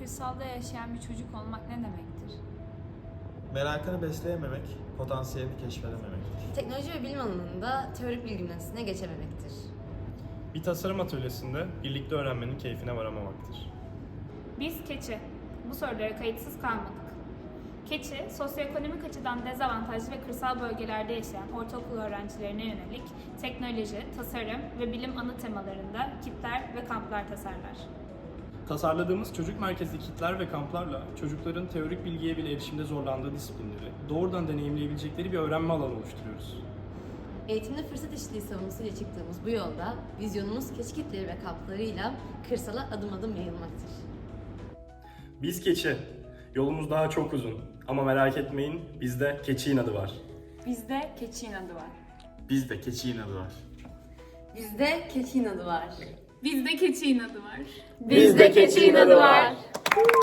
kırsalda yaşayan bir çocuk olmak ne demektir? Merakını besleyememek, potansiyelini keşfedememektir. Teknoloji ve bilim alanında teorik bilgi üniversitesine geçememektir. Bir tasarım atölyesinde birlikte öğrenmenin keyfine varamamaktır. Biz keçi. Bu sorulara kayıtsız kalmadık. Keçi, sosyoekonomik açıdan dezavantajlı ve kırsal bölgelerde yaşayan ortaokul öğrencilerine yönelik teknoloji, tasarım ve bilim ana temalarında kitler ve kamplar tasarlar. Tasarladığımız çocuk merkezli kitler ve kamplarla çocukların teorik bilgiye bile erişimde zorlandığı disiplinleri doğrudan deneyimleyebilecekleri bir öğrenme alanı oluşturuyoruz. Eğitimde fırsat eşitliği savunusuyla çıktığımız bu yolda vizyonumuz keçi kitleri ve kamplarıyla kırsala adım adım yayılmaktır. Biz keçi. Yolumuz daha çok uzun. Ama merak etmeyin, bizde keçi inadı var. Bizde keçi inadı var. Bizde keçi inadı var. Bizde keçi inadı var. Bizde keçi inadı var. Bizde keçi inadı var.